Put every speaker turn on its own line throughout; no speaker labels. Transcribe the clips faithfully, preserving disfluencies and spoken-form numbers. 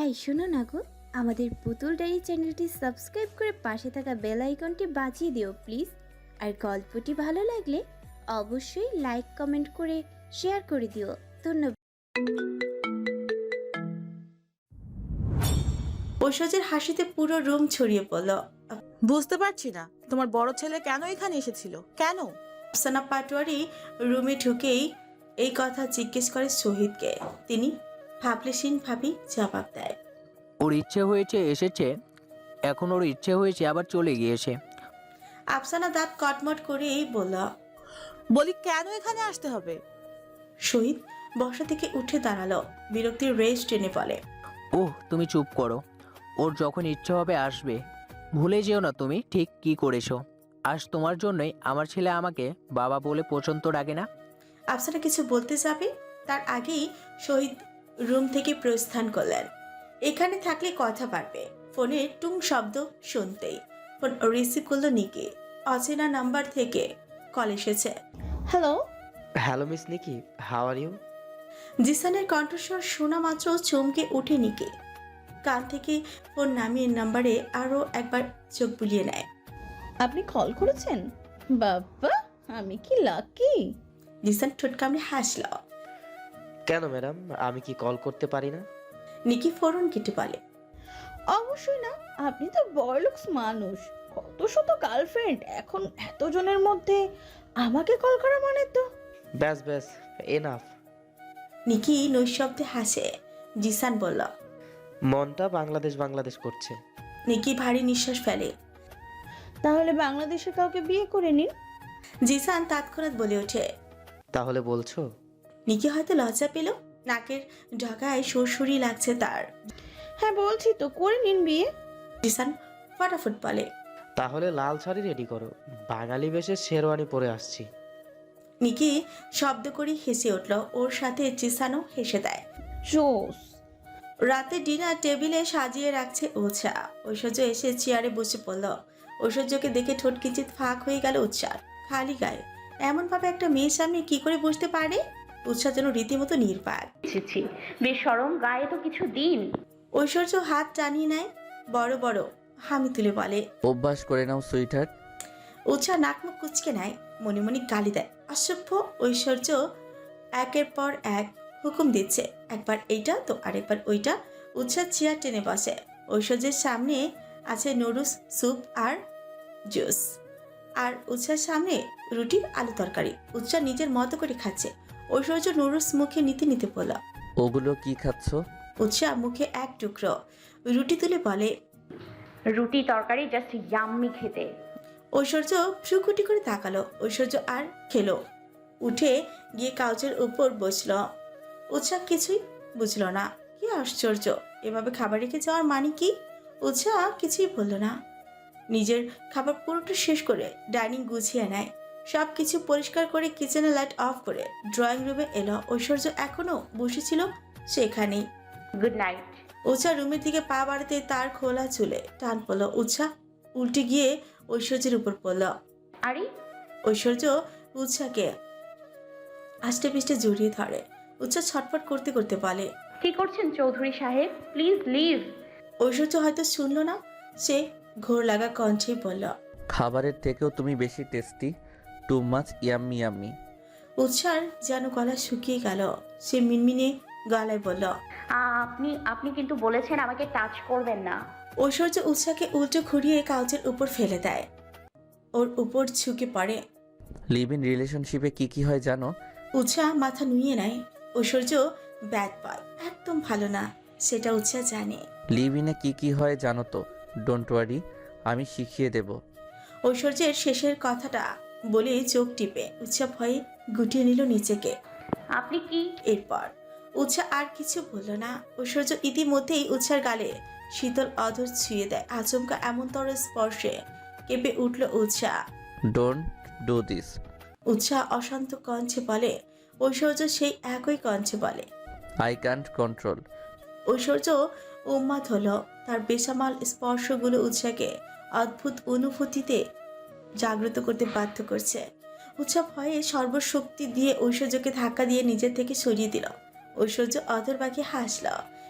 এই শোনো না গো, আমাদের পুতুল ডায়েরি চ্যানেলটি সাবস্ক্রাইব করে পাশে থাকা বেল আইকনটি বাজিয়ে দিও প্লিজ। আর গল্পটি ভালো লাগলে অবশ্যই লাইক কমেন্ট করে শেয়ার করে দিও। ধন্যবাদ।
ঐশ্বর্যের হাসিতে পুরো রুম ছড়িয়ে পড়ল।
বুঝতে পারছি না তোমার বড় ছেলে কেন এখানে এসেছিল, কেন?
আফসানা পাটোয়ারি রুমে ঢুকেই এই কথা জিজ্ঞেস করে শহীদকে। তিনি ভাবলেশীন ভাবি জবাব দেয়,
ওর ইচ্ছে হয়েছে এসেছে, এখন ওর ইচ্ছে হয়েছে আবার চলে গিয়েছে।
আফসানা দাঁত কটমট করেই বলল।
বলি কেন এখানে আসতে হবে?
শহীদ বসা থেকে উঠে দাঁড়ালো, বিরক্তির রেশ টেনে বলে,
ওহ তুমি চুপ করো, ওর যখন ইচ্ছে হবে আসবে। ভুলে যেও না তুমি ঠিক কি করেছো। আজ তোমার জন্যই আমার ছেলে আমাকে বাবা বলে পর্যন্ত ডাকে না।
আফসানা কিছু বলতে যাবে তার আগেই শহীদ রুম থেকে প্রস্থান করলেন। এখানে থাকলে কথা পারবে। ফোনের টুং শব্দ শুনতেই ফোন রিসিভ করলো নিকি। অচেনা নাম্বার থেকে কল এসেছে।
Hello.
Hello miss Nicky, how are you?
জিসানের কণ্ঠস্বর শোনা মাত্র চমকে উঠে নিকি। কান থেকে ফোন নামিয়ে নাম্বারে আরও একবার চোখ বুলিয়ে নেয়।
আপনি কল করেছেন? বাবা, আমি কি লাকি।
জিসান ঠোঁট কামড়ে হাসল।
কেন ম্যাডাম, আমি কি কল করতে পারি না?
নিকি ফোরন কেটে বলে,
অবশ্যই না, আপনি তো বড়লোকস মানুষ। কত শত গার্লফ্রেন্ড, এখন এতজনের মধ্যে আমাকে কল করা মানে তো।
ব্যাস ব্যাস, এনাফ।
নিকি নৈশব্দে হাসে। জিসান বলল,
মনটা বাংলাদেশ বাংলাদেশ করছে।
নিকি ভারী নিঃশ্বাস ফেলে।
তাহলে বাংলাদেশের কাউকে বিয়ে করে নিন।
জিসান তৎক্ষণাৎ বলে ওঠে।
তাহলে বলছো?
নিকি হয়তো লজ্জা পেল, নাকের ঢাকায় সুরসুরি লাগছে তার।
হ্যাঁ বলছি তো, করে নিন বিয়ে।
জিসান ফটাফট বলে,
তাহলে লাল শাড়ি রেডি করো, বাঙালি বেশে শেরওয়ানি পরে আসছি।
নিকি শব্দ করে হেসে উঠল। ওর সাথে জিসানও হেসে দেয়।
জোস।
রাতে ডিনার টেবিলে সাজিয়ে রাখছে উৎসা। ঐশ্বর্য এসে চেয়ারে বসে পড়ল। ঐশ্বর্যকে দেখে ঠোঁট কিঞ্চিত ফাঁক হয়ে গেল উৎসার। খালি গায়ে এমনভাবে একটা মেয়ের সামনে কি করে বসতে পারে? উৎসার যেন রীতিমতো নির্বাক।
ছি, বেশরম, গায়ে তো কিছু দিন।
ঐশ্বর্য হাত টানিয়ে নেয়, বড় বড় হামি তুলে বলে,
অভ্যাস করে নাও সুইটার।
উৎসাহ নাক মুখ কুচকে নেয়, মনে মনে গালি দেয়। অসভ্য। ঐশ্বর্য একের পর এক হুকুম দিচ্ছে, একবার এইটা তো আরেকবার ওইটা। উৎসাহ চেয়ার টেনে বসে। ঐশ্বর্যের সামনে আছে নুডলস, স্যুপ আর জুস, আর উৎসার সামনে রুটি আলু তরকারি। উৎসাহ নিজের মতো করে খাচ্ছে। ঐশ্বর্য নুডলস মুখে নিতে নিতে বলল,
ওগুলো কি খাচ্ছ?
উৎসাহ মুখে এক টুকরো রুটি তুলে বলে,
রুটি তরকারি জাস্ট ইয়াম্মি খেতে।
ঐশ্বর্য ভ্রুকুটি করে তাকালো। ঐশ্বর্য আর খেলো, উঠে গিয়ে কাউচের উপর বসল। উৎসাহ কিছুই বুঝলো না। কি আশ্চর্য, এভাবে খাবার রেখে যাওয়ার মানে কি? উৎসাহ কিছুই বলল না। নিজের খাবার পুরোটা শেষ করে ডাইনিং গুছিয়ে নেয়। সব কিছু পরিষ্কার করে কিচেনে লাইট অফ করে ড্রয়িং রুমে এলো। ঐশ্বর্য এখনো বসেছিল সেখানেই।
Good night.
উৎসাহ রুমের দিকে পা বাড়াতে তার খোলা চুলে টান পড়ল। উৎসাহ উল্টে গিয়ে ঐশ্বর্যের উপর পড়ল।
আরে,
ঐশ্বর্য উৎসাহকে আষ্টে পিষ্টে জড়িয়ে ধরে। উৎসাহ ছটফট করতে করতে বলে,
কি করছেন চৌধুরী সাহেব, প্লিজ লিভ।
ঐশ্বর্য হয়তো শুনল না, সে ঘোর লাগা কণ্ঠে বলল,
খাবারের থেকেও তুমি বেশি tasty, too much yummy yummy.
উৎসার যেন গলা শুকিয়ে গেল। সে মিনমিনে গলায় বলল,
আপনি আপনি কিন্তু বলেছেন আমাকে টাচ করবেন না।
ঐশ্বর্য উৎসাহকে উল্টো ঘুরিয়ে কাউচের উপর ফেলে দেয়, ওর উপর ঝুঁকে পড়ে।
লিভ ইন রিলেশনশিপে কি কি হয় জানো?
উৎসাহ মাথা নুইয়ে নেয়। ঐশ্বর্য ব্যাড বয়, একদম ভালো না, সেটা উৎসাহ জানে।
লিভ ইনে কি কি হয় জানো তো? ডোন্ট ওয়ারি, আমি শিখিয়ে দেব।
ঐশ্বর্যের শেষের কথাটা বলে চোখ টিপে উৎসাহ ভয়ে গুটিয়ে নিল নিচেকে।
আপনি কি?
এরপর উৎসাহ আর কিছু বলল না। ঐশ্বর্য ইতিমধ্যেই উৎসার গালে শীতল অধর ছুঁয়ে দেয়। আচমকা এমনতর স্পর্শে কেঁপে উঠল Utsah.
Don't do this.
Utsah অশান্ত কণ্ঠে বলে। ঐশ্বর্য সেই একই কণ্ঠে বলে,
আই ক্যান্ট কন্ট্রোল।
ঐশ্বর্য উন্মাদ হলো। তার বেসামাল স্পর্শগুলো উৎসাহকে অদ্ভুত অনুভূতিতে জাগ্রত করতে বাধ্য করছে। উৎসাহ ভয়ে সর্বশক্তি দিয়ে ঐশ্বর্যকে ধাক্কা দিয়ে নিজের থেকে সরিয়ে দিল। ঐশ্বর্য অধর বাঁকিয়ে হাসল।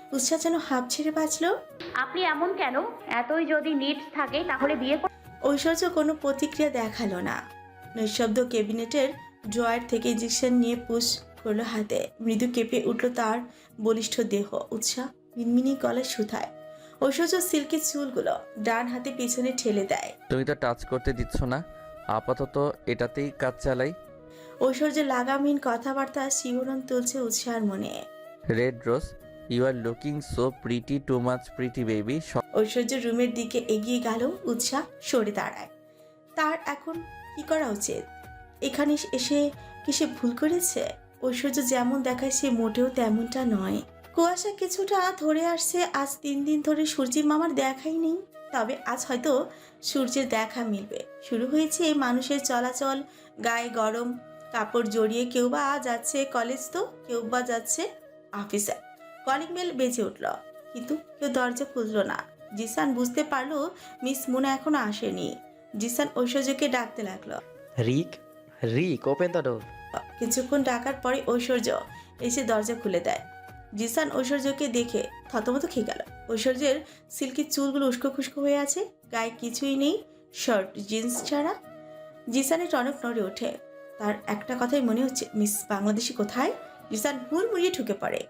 উৎসাহ যেন হাঁপ ছেড়ে বাঁচলো।
আপনি এমন কেন? এতই যদি নিডস থাকে তাহলে বিয়ে কর-
ঐশ্বর্য কোনো প্রতিক্রিয়া দেখালো না। নিঃশব্দ ক্যাবিনেটের ড্রয়ার থেকে ইঞ্জেকশন নিয়ে পুশ করলো হাতে। মৃদু কেঁপে উঠল তার বলিষ্ঠ দেহ। উৎসাহ মিনমিনি গলায় শুধায়। ঐশ্বর্য সিল্কি চুলগুলো ডান হাতে পিছনে ঠেলে দেয়।
তুমি তো টাচ করতে দিচ্ছ না, আপাতত এটাতেই কাজ চালাই।
ঐশ্বর্যের লাগামহীন কথাবার্তা শিহরণ তুলছে উৎসাহের মনে।
Red rose, you are looking so pretty, too much pretty baby.
Aishwarya রুমের দিকে এগিয়ে গেল। উৎসাহ সরে দাঁড়ায়। তার এখন কি করা উচিত? এখানে এসে কি সে ভুল করেছে? ঐশ্বর্য যেমন দেখায় সে মোটেও তেমনটা নয়। কুয়াশা কিছুটা ধরে আসছে। আজ তিন দিন ধরে সূর্যের মামার দেখাই নেই। তবে আজ হয়তো সূর্যের দেখা মিলবে। শুরু হয়েছে মানুষের চলাচল। গায়ে গরম কাপড় জড়িয়ে কেউ বা যাচ্ছে কলেজ, তো কেউ বা যাচ্ছে অফিসে। কলিং বেল বেজে উঠল, কিন্তু কেউ দরজা খুলল না। জিসান বুঝতে পারলো মিস মুনা এখনো আসেনি। জিসান ঐশ্বর্যকে ডাকতে লাগলো।
Rick, Rick, open the door.
কিছুক্ষণ ডাকার পরে ঐশ্বর্য এসে দরজা খুলে দেয়। জিসান ঐশ্বর্যকে দেখে থতমত খেয়ে গেল। ঐশ্বর্যের সিল্কি চুলগুলো উস্কো খুস্কো হয়ে আছে, গায়ে কিছুই নেই, শার্ট জিন্স ছাড়া। জিসানের টনক নড়ে ওঠে। তার একটা কথাই মনে হচ্ছে, মিস বাংলাদেশি কোথায়? জিসান হুড় মুড়িয়ে ঢুকে পড়ে।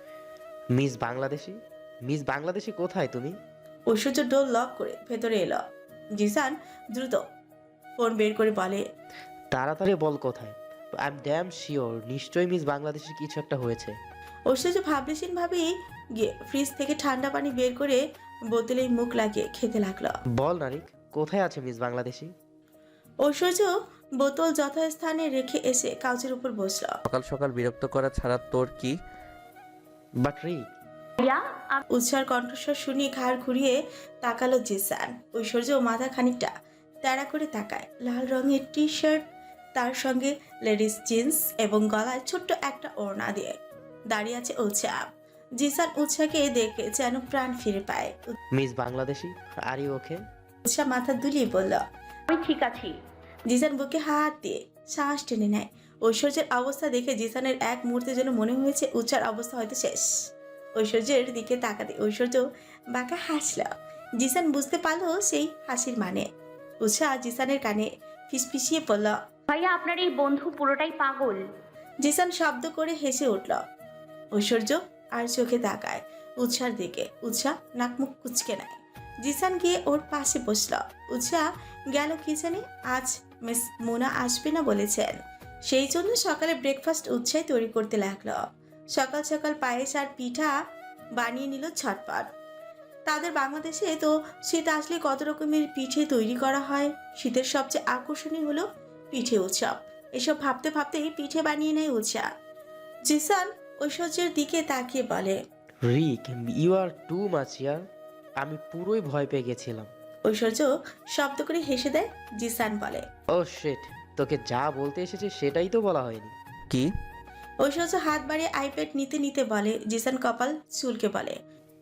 মিস বাংলাদেশি? মিস বাংলাদেশি কোথায় তুমি?
ঐশ্বর্য ডোর লক করে ভেতরে এলো। জিসান দ্রুত ফোন বের করে বলে,
তাড়াতাড়ি বল কোথায়। আই এম ড্যাম শিওর নিশ্চয়ই মিস বাংলাদেশের কিছু একটা হয়েছে।
ঐশ্বর্য ভাবলেশীন ভাবেই গিয়ে ফ্রিজ থেকে ঠান্ডা পানি বের করে বোতলে মুখ লাগিয়ে খেতে লাগলো।
বল না রিক, কোথায় আছে মিস বাংলাদেশি?
ঐশ্বর্য বোতল যথাস্থানে রেখে এসে কাউচের উপর বসলো।
সকাল সকাল বিরক্ত করা ছাড়া তোর কি?
বাট রিক,
ভাইয়া আপ-
উৎসার কণ্ঠস্বর শুনিয়ে ঘাড় ঘুরিয়ে তাকালো জিসান। ঐশ্বর্য মাথা খানিকটা তেড়া করে তাকায়। লাল রঙের টি শার্ট, তার সঙ্গে লেডিস জিন্স এবং গলায় ছোট্ট একটা ওড়না দিয়ে দাঁড়িয়ে আছে উৎসাহ। জিসান উৎসাহকে দেখে যেন প্রাণ ফিরে পায়।
Miss Bangladeshi, are you okay?
Utsah মাথা দুলিয়ে বলল।
আমি ঠিক আছি।
জিসান বুকে হাত দিয়ে শ্বাস টেনে নেয়। ঐশ্বর্যের অবস্থা দেখে জিসানের এক মুহূর্তে যেন মনে হয়েছে উৎসার অবস্থা হয়তো শেষ। ঐশ্বর্যের দিকে তাকাতে ঐশ্বর্য বাঁকা হাসল। জিসান বুঝতে পারলো সেই হাসির মানে। উৎসাহ জিসানের কানে ফিসফিসিয়ে পড়ল।
ভাইয়া আপনার এই বন্ধু পুরোটাই পাগল।
জিসান শব্দ করে হেসে উঠল। ঐশ্বর্য আর চোখে তাকায় উৎসার দিকে। উৎসাহ নাক মুখ কুচকে নেয়। জিসান গিয়ে ওর পাশে বসল। উৎসাহ গেল কিচেনে। আজ মিস মুনা আসবে না বলেছেন, সেই জন্য সকালে ব্রেকফাস্ট উৎসাহ তৈরি করতে লাগলো। সকাল সকাল পায়েস আর পিঠা বানিয়ে নিল ছটপট। তাদের বাংলাদেশে তো শীত আসলে কত রকমের পিঠে তৈরি করা হয়। শীতের সবচেয়ে আকর্ষণীয় হলো পিঠে উৎসব। এসব ভাবতে ভাবতেই পিঠে বানিয়ে নেয় উৎসাহ। জিসান ঐশ্বর্যের দিকে তাকিয়ে বলে,
Rick, you are too much ইয়ার। আমি পুরোই ভয় পেয়ে গেছিলাম।
ঐশ্বর্য শব্দ করে হেসে দেয়। জিসান বলে,
ও শিট, তোকে যা বলতে এসেছে সেটাই তো বলা হয়নি।
কি?
ঐশ্বর্য হাত বাড়িয়ে আইপ্যাড নিতে নিতে বলে। জিসান কপাল চুলকে বলে,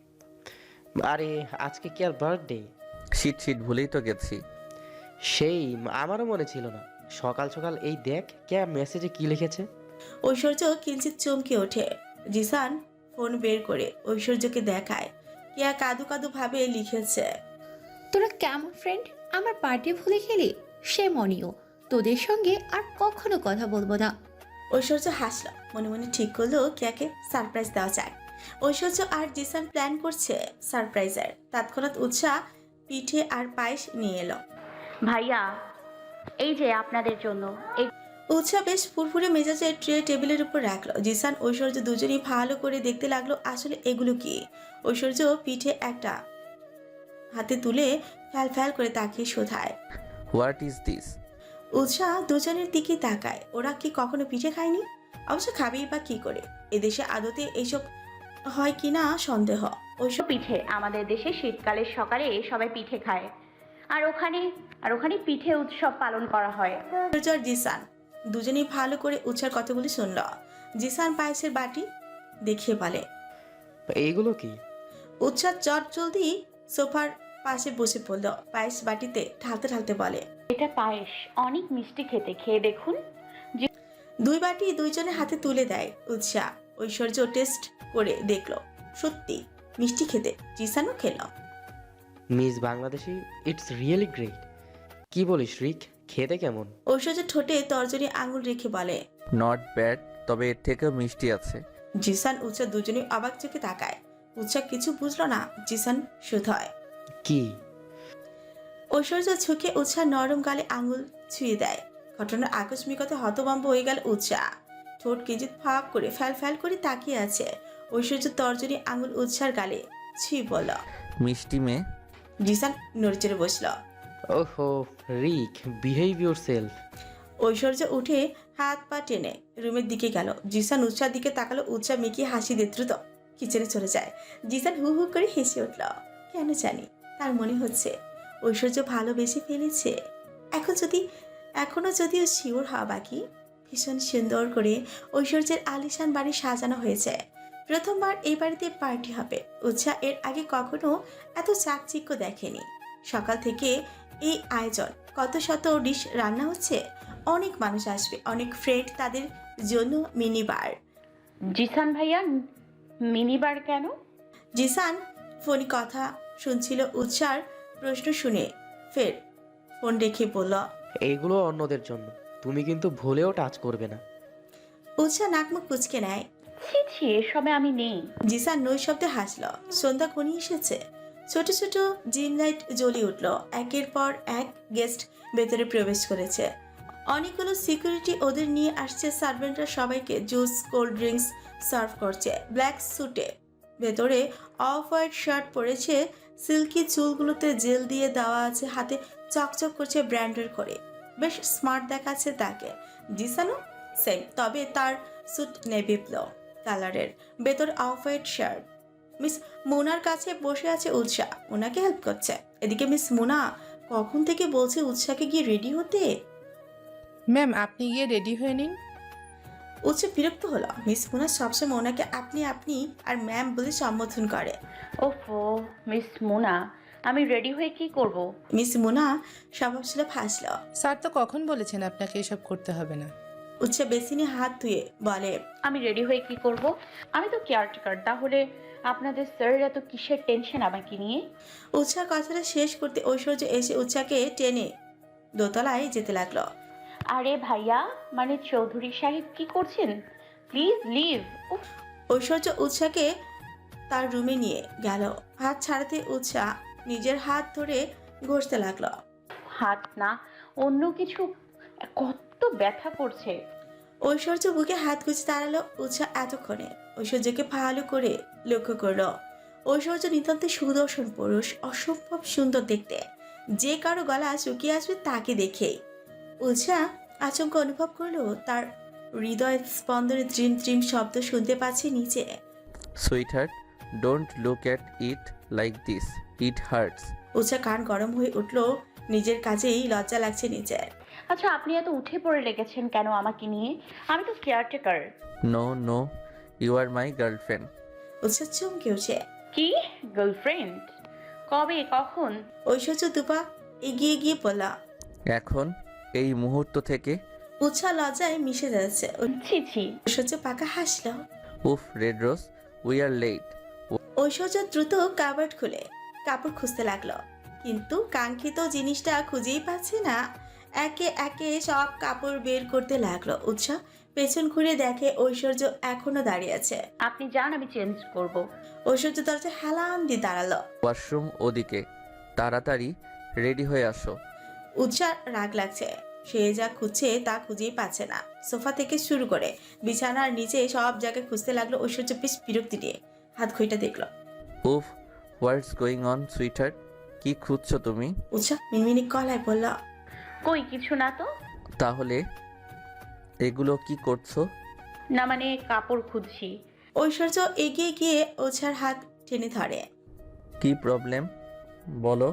আরে আজকে কি আর বার্থডে?
শীত শীত ভুলেই তো গেছি।
সেই আমারও মনে ছিল না। সকাল সকাল এই দেখ কে মেসেজে কি লিখেছে।
ঐশ্বর্য কিঞ্চিত চমকে ওঠে। জিসান ফোন বের করে ঐশ্বর্যকে দেখায়। কেয়া কাদু কাদু ভাবে লিখেছে,
তোরা কেমন ফ্রেন্ড? আমার পার্টি ভুলে গেলি? সে মনিও, তোদের সঙ্গে আর কখনো কথা বলবো না।
ঐশ্বর্য হাসল। মনে মনে ঠিক করলো কেয়াকে সারপ্রাইজ দেওয়া যায়। ঐশ্বর্য আর জিসান প্ল্যান করছে সারপ্রাইজের। তৎক্ষণাৎ উৎসাহ পিঠে আর পায়েস নিয়ে এলো।
ভাইয়া এই যে আপনাদের জন্য। এই
উৎসাহ বেশ ফুরফুরে মেজাজে ট্রে টেবিলের উপর রাখলো। জিসান ঐশ্বর্য দুজনেই ভালো করে দেখতে লাগলো আসলে এগুলো কি। ঐশ্বর্য পিঠে একটা হাতে তুলে ফ্যাল ফ্যাল করে তাকিয়ে শোধায়।
What is this?
উৎসাহ দুজনের দিকে তাকায়। ওরা কি কখনো পিঠে খায়নি? অবশ্য খাবেই বা কি করে? এদেশে আদতে এইসব হয় কিনা সন্দেহ। ঐশ্বর্য
পিঠে আমাদের দেশে শীতকালের সকালে সবাই পিঠে খায়, আর ওখানে আর ওখানে পিঠে উৎসব পালন করা হয়।
আর জিসান দুজনেই ভালো করে উৎসার কথাগুলি শুনল। জিসান পায়েসের বাটি দেখিয়ে বলে,
এইগুলো কি?
উৎসাহ চট জলদি সোফার পাশে বসে পড়ল। পায়েস বাটিতে ঢালতে ঢালতে বলে,
এটা পায়েস, অনেক মিষ্টি খেতে, খেয়ে দেখুন।
দুই বাটি দুইজনের হাতে তুলে দেয় উৎসাহ। ঐশ্বর্য টেস্ট করে দেখলো, সত্যি মিষ্টি খেতে। জিসানও খেল।
Miss Bangladeshi it's really great. কি বলিস রিক, খেতে কেমন?
ঐশ্বর্য ঠোঁটে তর্জনী আঙুল রেখে বলে।
নট ব্যাড, তবে এর থেকেও মিষ্টি আছে।
জিসান উৎসা দুজনেই অবাক চোখে তাকায়। উৎসা কিছু বুঝলো না। জিসান শুধয়।
কি?
ঐশ্বর্য ঝুঁকে উৎসা নরম গালে আঙুল ছুঁয়ে দেয়। ঘটনার আকস্মিকতা হতভম্ব হয়ে গেল উৎসা। ঠোঁট কিঞ্চিত ফাঁক করে ফ্যাল ফ্যাল করে তাকিয়ে আছে। ঐশ্বর্য তর্জনী আঙুল উৎসার গালে ছুঁয়ে বলল।
মিষ্টি মেয়ে।
জিসান নড়চড়ে বসল।
ওহো Rick, behave yourself.
Aishwarya উঠে হাত পা টেনে রুমের দিকে গেল। জিসান উৎসার দিকে তাকালো। উৎসা মেকি হাসি দিয়ে দ্রুত কিচেনে চলে যায়। জিসান হু হু করে হেসে উঠল। কেন জানি তার মনে হচ্ছে ঐশ্বর্য ভালোবেসে ফেলেছে। এখন যদি এখনো যদিও শিওর হওয়া বাকি। ভীষণ সুন্দর করে ঐশ্বর্যের আলিশান বাড়ি সাজানো হয়েছে। প্রথমবার এই বাড়িতে পার্টি হবে। উৎসা এর আগে কখনো এত চাকচিক্য দেখেনি। সকাল থেকে এই আয়োজন, কত শত ডিশ রান্না হচ্ছে। অনেক মানুষ আসবে, অনেক ফ্রেন্ড, তাদের জন্য মিনি বার।
জিসান ভাইয়া, মিনি বার কেন?
জিসান ফোনে কথা শুনছিল। উৎসার প্রশ্ন শুনে ফের ফোন রেখে বলল।
এইগুলো অন্যদের জন্য, তুমি কিন্তু ভুলেও টাচ করবে না।
উৎসা নাকমুখ কুচকে নেয়।
ছি ছি, এসবে আমি নেই।
জিসান নৈশব্দে হাসল। সন্ধ্যা ঘনিয়ে এসেছে। ছোট ছোট জিম লাইট জ্বলিয়ে উঠল। একের পর এক গেস্ট ভেতরে প্রবেশ করেছে। অনেকগুলো সিকিউরিটি ওদের নিয়ে আসছে। সার্ভেন্টরা সবাইকে জুস, কোল্ড ড্রিঙ্কস সার্ভ করছে। ব্ল্যাক স্যুটে ভেতরে অফ হোয়াইট শার্ট পরেছে। সিল্কি চুলগুলোতে জেল দিয়ে দেওয়া আছে। হাতে চকচক করছে ব্র্যান্ডের করে। বেশ স্মার্ট দেখাচ্ছে তাকে। জিসানও সেম, তবে তার স্যুট নেভি ব্লু কালারের, ভেতর অফ হোয়াইট শার্ট। মিস মুনার কাছে বসে আছে উৎসা, ওনাকে হেল্প করছে। এদিকে মিস মুনা কখন থেকে বলছে উৎসাকে গিয়ে রেডি হতে।
ম্যাম আপনি গিয়ে রেডি হয়ে নিন।
উৎসা বিরক্ত হলো। মিস মুনা সবসময় ওনাকে আপনি আপনি আর ম্যাম বলে সম্বোধন করে।
ওফো মিস মুনা, আমি রেডি হয়ে কি করব?
মিস মুনা স্বভাবশীল হাসল।
স্যার তো কখন বলেছেন আপনাকে এসব করতে হবে না।
উৎসা বেসিনে হাত ধুয়ে বলে।
আমি রেডি হয়ে কি করব? আমি তো কেয়ারটেকার, তাহলে আপনাদের স্যারের এত কিসের টেনশন আমাকে নিয়ে?
উৎসা কথাটা শেষ করতে ঐশ্বর্য এসে উৎসাকে টেনে দোতলায় যেতে লাগলো।
আরে ভাইয়া, মানে চৌধুরী সাহেব, কি করছেন? Please leave.
ঐশ্বর্য উৎসাকে তার রুমে নিয়ে গেল। হাত ছাড়াতে উৎসা নিজের হাত ধরে ঘষতে লাগলো।
হাত না, অন্য কিছু। কত ব্যথা করছে।
ঐশ্বর্য বুকে হাত গুছে দাঁড়ালো। উৎসা এতক্ষণে ঐশ্বর্যকে ভালো করে লক্ষ্য করলো। ঐশ্বর্য নিতান্ত সুদর্শন পুরুষ, অসম্ভব সুন্দর দেখতে। যে কারো গলা শুকিয়ে আসবে তাকে দেখেই। উৎসা আচমকা অনুভব করলো তার হৃদয় স্পন্দনে ত্রিম ত্রিম শব্দ শুনতে পাচ্ছে নিচে।
Sweetheart, don't look at it like this, it hurts.
Utsha কান গরম হয়ে উঠলো। নিজের কাজেই লজ্জা লাগছে নিজের।
আচ্ছা, আপনি এত উঠে পড়ে লেগেছেন কেন আমাকে নিয়ে? আমি তো caretaker.
No no, you are my girlfriend.
Utsha চমকে উঠে।
কি গার্লফ্রেন্ড? কবে, কখন?
ঐশ্বর্য দুপা এগিয়ে গিয়ে বলল।
এখন, এই মুহূর্ত থেকে।
উৎসা লজ্জায় মিশে যাচ্ছে।
ছি ছি।
ঐশ্বর্য পাকা হাসল।
উফ red rose, we are late.
Aishwarya দ্রুত কাবার্ড খুলে কাপড় খুঁজতে লাগলো, কিন্তু কাঙ্ক্ষিত জিনিসটা খুঁজেই পাচ্ছে না। একে একে সব কাপড় বের করতে লাগলো। উৎসা পেছন ঘুরে দেখে ঐশ্বর্য এখনো দাঁড়িয়ে আছে।
আপনি যান, আমি চেঞ্জ করব।
ঐশ্বর্য দরজা হেলান দিয়ে দাঁড়ালো।
ওয়াশরুম ওদিকে, তাড়াতাড়ি রেডি হয়ে আসো।
উৎসার রাগ লাগছে। সে যা খুঁজছে তা খুঁজেই পাচ্ছে না। সোফা থেকে শুরু করে বিছানার নিচে সব জায়গায় খুঁজতে লাগলো। ঐশ্বর্য বেশ বিরক্তি নিয়ে হাত ঘড়িটা দেখলো।
উফ, হোয়াটস গোয়িং অন সুইটহার্ট? কি খুঁজছো তুমি?
উৎসা মিনমিনি গলায় বলল।
কই কিছু না তো।
তাহলে এগুলো কি করছো?
না মানে কাপড় খুঁজছি।
ঐশ্বর্য এগিয়ে গিয়ে ওঝার হাত টেনে ধরে।
কি প্রবলেম বলো,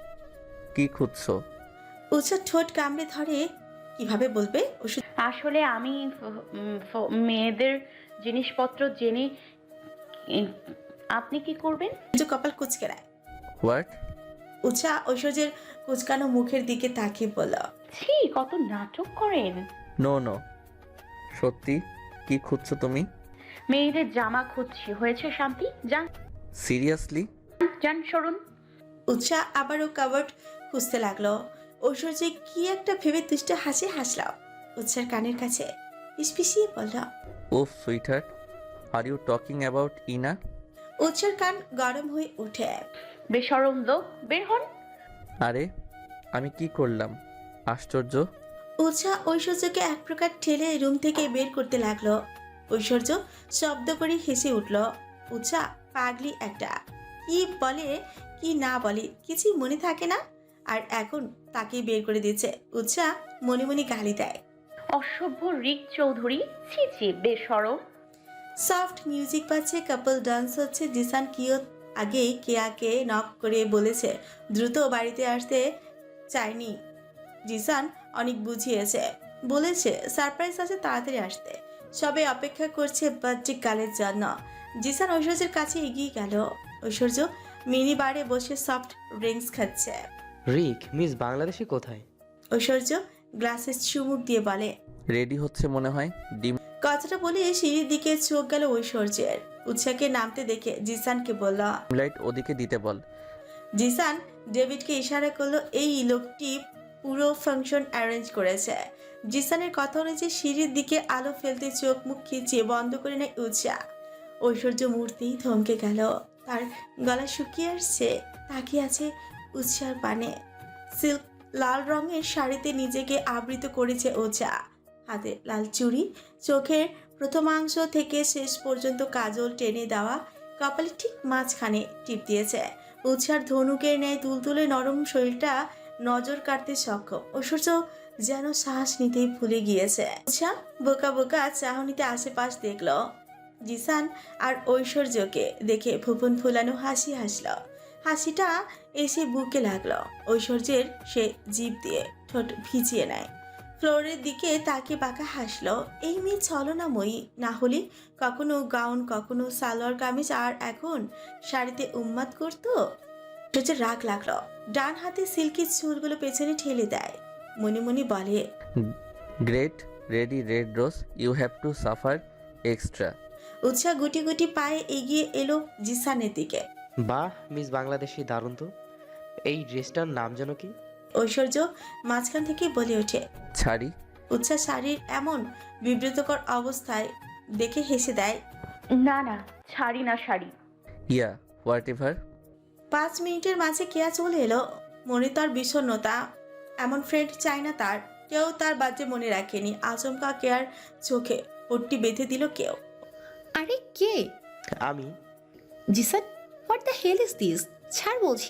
কি খুঁজছো?
উৎসা ঠোঁট কামড়ে ধরে। কিভাবে বলবে?
আসলে আমি উম, ফ- মেয়েদের জিনিসপত্র জেনে উম, আপনি কি করবেন?
কপাল কুচকে নেয়।
হোয়াট?
উৎসা ঐশ্বর্যের কুচকানো মুখের দিকে তাকিয়ে বলল।
ছি, কত নাটক করেন।
নো নো, সত্যি কি খুঁজছো তুমি?
মেয়েদের জামা খুঁজছি। হয়েছে শান্তি, যান।
সিরিয়াসলি?
যান সরুন।
উৎসাহ আবারও কাবার্ড খুঁজতে লাগলো। ঐশ্বর্য কি একটা ভেবে দুষ্ট হাসি হাসল। উৎসার কানের কাছে পিসপিসিয়ে বলল,
ওফ sweetheart, are you talking about ইনা?
উৎসার কান গরম হয়ে উঠে।
বেশরম লোক, বের হন।
আরে আমি কি করলাম? আশ্চর্য।
উৎসাহ ঐশ্বর্যকে এক প্রকার ঠেলে রুম থেকে বের করতে লাগলো। ঐশ্বর্য শব্দ করে হেসে উঠল। উৎসাহ পাগলি একটা, কি বলে কি না বলে কিছুই মনে থাকে না, আর এখন তাকে বের করে দিচ্ছে। উৎসাহ মনে মনে গালি দেয়।
অসভ্য রিক চৌধুরী, ছি ছি, বেশরম।
সফট মিউজিক পাচ্ছে, কাপল ডান্স হচ্ছে। জিসান কিয়ত আগে কেয়াকে নক করে বলেছে দ্রুত বাড়িতে আসতে চায়নি। জিসান অনেক বুঝিয়েছে, বলেছে সারপ্রাইজ আছে, তাড়াতাড়ি আসতে। সবাই অপেক্ষা করছে বার্থডে গালের জন্য। জিসান ঐশ্বর্যের কাছে এগিয়ে গেল। ঐশ্বর্য মিনি বারে বসে সফট ড্রিঙ্কস খাচ্ছে।
রিক, মিস বাংলাদেশি কোথায়?
ঐশ্বর্য গ্লাসে চুমুক দিয়ে বলে।
রেডি হচ্ছে মনে হয়। ডিম।
কথাটা বলে সিঁড়ির দিকে চোখ গেল ঐশ্বর্যের। উৎসাহকে নামতে দেখে জিসানকে বলল।
লাইট ওদিকে দিতে বল।
জিসান ডেভিডকে ইশারা করলো। এই লোকটি পুরো ফাংশন অ্যারেঞ্জ করেছে। জিসানের কথা অনুযায়ী সিঁড়ির দিকে আলো ফেলতে চোখ মুখ খিচিয়ে বন্ধ করে নেয় উৎসাহ। ঐশ্বর্য মূর্তি থমকে গেল, তার গলা শুকিয়ে আসছে। তাকিয়ে আছে উৎসার পানে। সিল্ক লাল রঙের শাড়িতে নিজেকে আবৃত করেছে উৎসাহ। হাতে লাল চুড়ি, চোখের প্রথমাংশ থেকে শেষ পর্যন্ত কাজল টেনে দেওয়া, কপালে ঠিক মাঝখানে টিপ দিয়েছে। উৎসার ধনুকের ন্যায় তুলতুলে নরম শরীরটা নজর কাটতে সক্ষম। ঐশ্বর্য যেন শ্বাস নিতেই ভুলে গিয়েছে। উৎসাহ বোকা বোকা চাহনিতে আশেপাশ দেখল। জিসান আর ঐশ্বর্যকে দেখে ভুবন ফুলানো হাসি হাসল। হাসিটা এসে বুকে লাগলো। ঐশ্বর্যের সে জিভ দিয়ে ঠোঁট ভিজিয়ে নেয়। ফ্লোরের দিকে তাকে বাঁকা হাসলো। এই মেয়ে ছলনাময়ী, না হলে কখনো গাউন, কখনো সালোয়ার কামিজ, আর এখন শাড়িতে উন্মাদ করতো। ঐশ্বর্যের রাগ লাগলো। ডান হাতে সিল্কি চুলগুলো পেছনে ঠেলে দেয়। মনে মনে বলে,
great, ready red rose, you have to suffer extra.
Utsah গুটি গুটি পায়ে এগিয়ে এলো জিসানের দিকে।
বাহ মিস বাংলাদেশি, দারুণ তো। এই ড্রেসটার নাম যেন কি?
ঐশ্বর্য মাঝখান থেকে বলে ওঠে।
ছাড়ি।
উৎসাহ শাড়ির এমন বিব্রতকর অবস্থায় দেখে হেসে দেয়।
না না, ছাড়ি না শাড়ি।
ইয়া হোয়াট এভার।
পাঁচ মিনিটের মাঝে কেয়া চলে এলো। মনে তার বিষণ্ণতা, এমন ফ্রেন্ড চাই না তার। কেউ তার বাজে মনে রাখেনি। আচমকা কেয়ার চোখে পট্টি বেঁধে দিল কেউ।
আরে কে?
আমি।
Zisan, what the hell is this? ছাড় বলছি।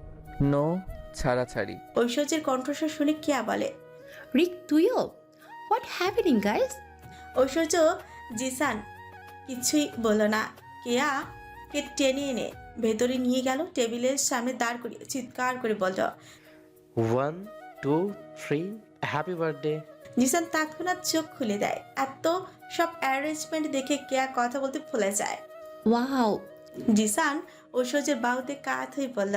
নো, ছাড়াছাড়ি।
ঐশ্বর্যের কণ্ঠস্বর শুনে কেয়া বলে।
রিক, তুইও? What happening guys?
Aishwarya Zisan কিছুই বলল না। কেয়া কে টেনে এনে ভেতরে নিয়ে গেল। টেবিলের সামনে দাঁড় করিয়ে চিৎকার করে বলল,
one two three, happy birthday.
Zisan তৎক্ষণাৎ চোখ খুলে দেয়। এত সব অ্যারেঞ্জমেন্ট দেখে কেয়া কথা বলতে ভুলে যায়।
ওয়াও।
জিসান ঐশ্বর্যের বাহুতে কাত হয়ে বলল,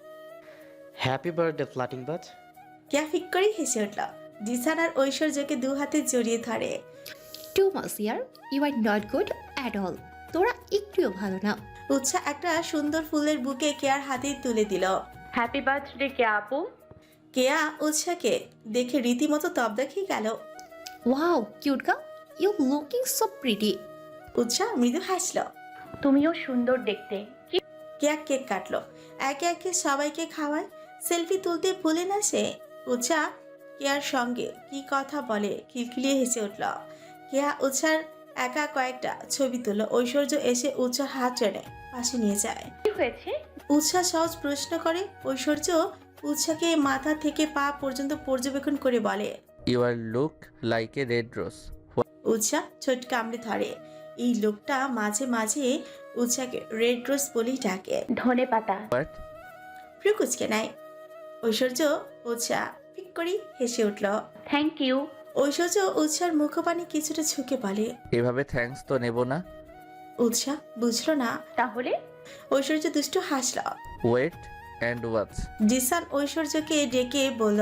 হ্যাপি বার্থডে ফ্লাটিং বাজ।
কেয়া ফিক করেই হেসে উঠল। জিসান আর ঐশ্বর্যকে দু হাতে জড়িয়ে ধরে।
টু মাস ইয়ার, you are not good at all. তোরা একটুও ভালো না।
উৎসাহ একটা সুন্দর ফুলের বুকে কেয়ার হাতে তুলে দিল।
হ্যাপি বার্থডে কে আপু।
কেয়া উৎসাহকে দেখে রীতিমতো তবদা খেয়ে গেল।
Wow cute girl, you looking so pretty.
Utsah মৃদু হাসল।
তুমিও সুন্দর দেখতে। কি
কেয়া কেক কাটলো। একে একে সবাইকে খাওয়ায়। সেলফি তুলতে ভুলে না সে। উৎসাহ কেয়ার সঙ্গে কি কথা বলে খিলখিলিয়ে হেসে উঠল। কেয়া উৎসার একা কয়েকটা ছবি তুলল। ঐশ্বর্য এসে উৎসাহ হাত টেনে পাশে নিয়ে যায়।
কি হয়েছে?
উৎসাহ সহজ প্রশ্ন করে। ঐশ্বর্য উৎসাহকে মাথা থেকে পা পর্যন্ত পর্যবেক্ষণ করে বলে,
you are look like a red rose.
Utsah ছোট কামড়ে ধরে। এই লোকটা মাঝে মাঝে উৎসাহকে রেড রোজ বলেই ডাকে।
ধনে পাতা।
বাট
প্রকুচকে নেয়। ঐশ্বর্য উৎসাহ পিক করি হেসে উঠল।
Thank you.
ঐশ্বর্য উৎসার মুখপানে কিছুটা ঝুঁকে বলে,
এভাবে থ্যাঙ্কস তো নেব না।
উৎসাহ বুঝলো না।
তাহলে?
ঐশ্বর্য দুষ্টু হাসল।
Wait and watch.
জিসান ঐশ্বর্যকে ডেকে বলল,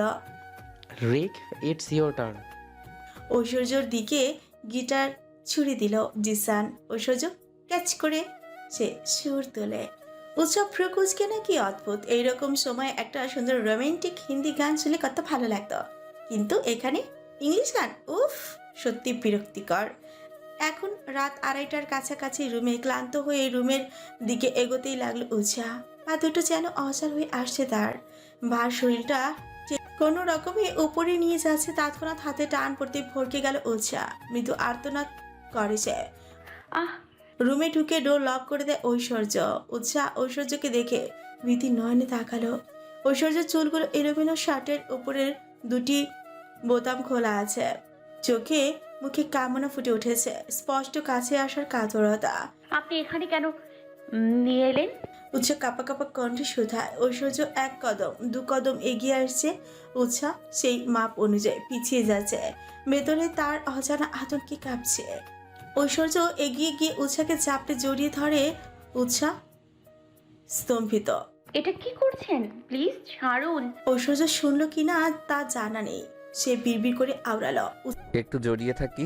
রিক, ইটস ইয়োর টার্ন।
ঐশ্বর্যর দিকে গিটার ছুড়ে দিল জিসান। ঐশ্বর্য ক্যাচ করে সে সুর তোলে। উৎসব ফ্রুকুচকে নাকি অদ্ভুত, এইরকম সময় একটা সুন্দর রোমান্টিক হিন্দি গান শুনলে কত ভালো লাগতো, কিন্তু এখানে ইংলিশ গান, উফ সত্যি বিরক্তিকর। এখন রাত আড়াইটার কাছাকাছি রুমে ক্লান্ত হয়ে রুমের দিকে এগোতেই লাগলো উৎসা। পা দুটো যেন অচল হয়ে আসছে তার, ভার শরীরটা কোনো রকমে উপরে নিয়ে যাচ্ছে। তৎক্ষণাৎ হাতে টান পড়তে ভরকে গেল উৎসা, মৃদু আর্তনাদ করেছে।
আহ
রুমে ঢুকে ডোর লক করে দেয় ঐশ্বর্য। উৎসাহ ঐশ্বর্যকে দেখে ভীতি নয়নে তাকালো। ঐশ্বর্যের চুলগুলো এলোমেলো, শার্টের উপরের দুটি বোতাম খোলা আছে, চোখে মুখে কামনা ফুটে উঠেছে, স্পষ্ট কাছে আসার কাতরতা।
আপনি এখানে কেন উম, নিয়ে এলেন?
উৎসাহ কাপা কাপা কণ্ঠে শুধায়। ঐশ্বর্য এক কদম দু কদম এগিয়ে আসছে, উৎসাহ সেই মাপ অনুযায়ী পিছিয়ে যাচ্ছে। ভেতরে তার অজানা আতঙ্কে কাঁপছে। ঐশ্বর্য এগিয়ে গিয়ে উৎসাহকে চাপড়ে জড়িয়ে ধরে। উৎসাহ স্তম্ভিত।
এটা কি করছেন? প্লিজ ছাড়ুন।
ঐশ্বর্য শুনলো কিনা তা জানা নেই, সে বিড়বিড় করে আওড়ালো।
একটু জড়িয়ে থাকি,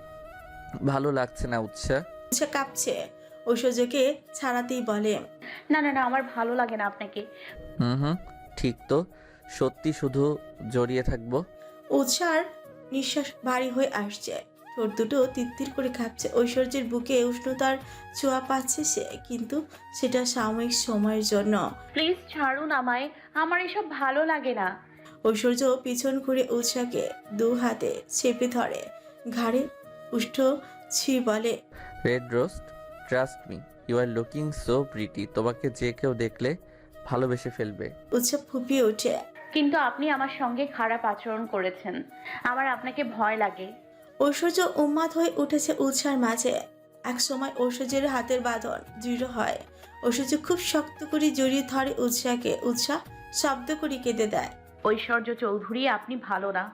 ভালো লাগছে না উৎসাহ?
উৎসাহ কাঁপছে, ঐশ্বর্যকে ছাড়াতেই বলে,
না না না আমার ভালো লাগে না আপনাকে।
হুম হুম ঠিক তো, সত্যি শুধু জড়িয়ে থাকবো।
উৎসার নিঃশ্বাস ভারী হয়ে আসছে, ঠোঁট দুটো তিত্তির করে কাঁপছে। ঐশ্বর্যের বুকে উষ্ণতার ছোঁয়া পাচ্ছে সে, কিন্তু সেটা সাময়িক সময়ের জন্য।
প্লিজ ছাড়ুন আমায়, আমার এসব ভালো লাগে না।
ঐশ্বর্য পিছন ঘুরে উৎসাকে দু হাতে চেপে ধরে, ঘাড়ে উষ্ঠ ছি বলে,
red rose, trust me, you are looking so pretty. তোমাকে যে কেউ দেখলে ভালোবেসে ফেলবে।
উৎসব ফুপিয়ে ওঠে।
কিন্তু আপনি আমার সঙ্গে খারাপ আচরণ করেছেন, আমার আপনাকে ভয় লাগে।
ঐশ্বর্য উন্মাদ হয়ে উঠেছে উৎসার মাঝে। এক সময় ঐশ্বর্যের হাতের বাঁধন দৃঢ় হয়, ঐশ্বর্য খুব শক্ত করে জড়িয়ে ধরে উৎসাকে। উৎসাহ শব্দ করে কেঁদে দেয়।
ঐশ্বর্য চৌধুরী আপনি ভালো না,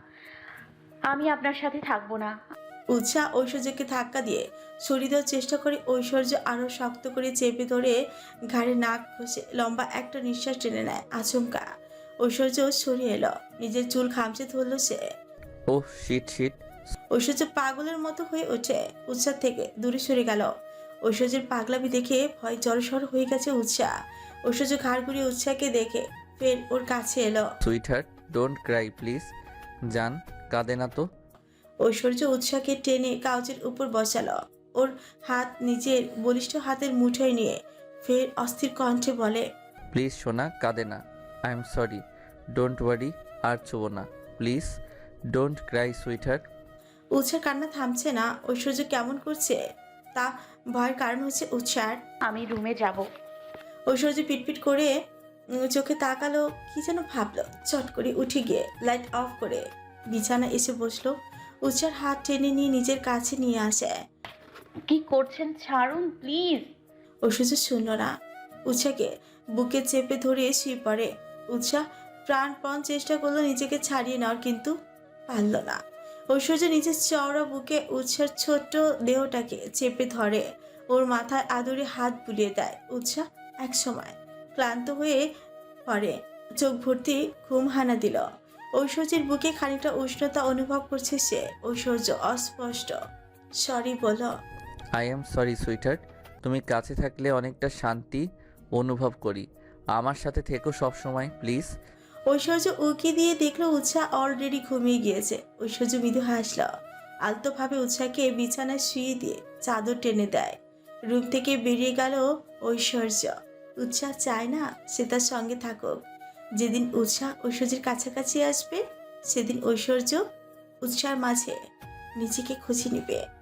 আমি আপনার সাথে থাকবো না।
উৎসাহ ঐশ্বর্যকে ধাক্কা দিয়ে সরিয়ে দেওয়ার চেষ্টা করে। ঐশ্বর্য আরো শক্ত করে চেপে ধরে ঘাড়ে নাক ঘষে লম্বা একটা নিঃশ্বাস টেনে নেয়। আচমকা ঐশ্বর্য সরিয়ে এলো, নিজের চুল খামচে ধরল সে।
Oh shit shit.
ঐশ্বর্য পাগলের মতো হয়ে ওঠে, উৎসাহ থেকে দূরে সরে গেল। ঐশ্বর্যের পাগলামি দেখে ভয় জড়সড় হয়ে গেছে উৎসাহ। ঐশ্বর্য ঘাড় ঘুরিয়ে উৎসাহকে দেখে ফের ওর কাছে এলো।
Sweetheart, don't cry please. জান, কাঁদে না তো।
ঐশ্বর্য উৎসাহকে টেনে কাউচের উপর বসালো, ওর হাত নিজের বলিষ্ঠ হাতের মুঠোয় নিয়ে ফের অস্থির কণ্ঠে বলে,
প্লিজ সোনা, কাঁদে না। I am sorry, don't worry. আর ছোবো না please, don't cry sweetheart.
Utsah কান্না থামছে না। ঐশ্বর্য কেমন করছে তা ভয়ের কারণ হচ্ছে উৎসার।
আমি রুমে যাব।
ঐশ্বর্য পিটপিট করে উম, চোখে তাকালো, কি যেন ভাবলো। চট করে উঠে গিয়ে লাইট অফ করে বিছানা এসে বসলো। উৎসার হাত টেনে নিয়ে নিজের কাছে নিয়ে আসে।
কি করছেন? ছাড়ুন প্লিজ।
ঐশ্বর্য শুনল না, উৎসাকে বুকে চেপে ধরে শুয়ে পড়ে। উৎসাহ প্রাণপণ চেষ্টা করলো নিজেকে ছাড়িয়ে নেওয়ার, কিন্তু পারল না। ঐশ্বর্য নিজের চওড়া বুকে উৎসার ছোট্ট দেহটাকে চেপে ধরে, ওর মাথায় আদরে হাত বুলিয়ে দেয়। উৎসাহ এক সময় ক্লান্ত হয়ে পড়ে, চোখ ভর্তি ঘুম হানা দিল। ঐশ্বর্যের বুকে খানিকটা উষ্ণতা অনুভব করছে সে। ঐশ্বর্য অস্পষ্ট সরি বলল,
I am sorry sweetheart. তুমি কাছে থাকলে অনেকটা শান্তি অনুভব করি। আমার সাথে থেকো সব সময় প্লিজ।
ঐশ্বর্য উকি দিয়ে দেখলো উৎসাহ অলরেডি ঘুমিয়ে গিয়েছে। ঐশ্বর্য মৃদু হাসল, আলতোভাবে উৎসাহকে বিছানায় শুয়ে দিয়ে চাদর টেনে দেয়। রুম থেকে বেরিয়ে গেল ঐশ্বর্য। উৎসাহ চায় না সে তার সঙ্গে থাকুক। যেদিন উৎসাহ ঐশ্বর্যের কাছাকাছি আসবে, সেদিন ঐশ্বর্য উৎসাহের মাঝে নিজেকে খুঁজে নিবে।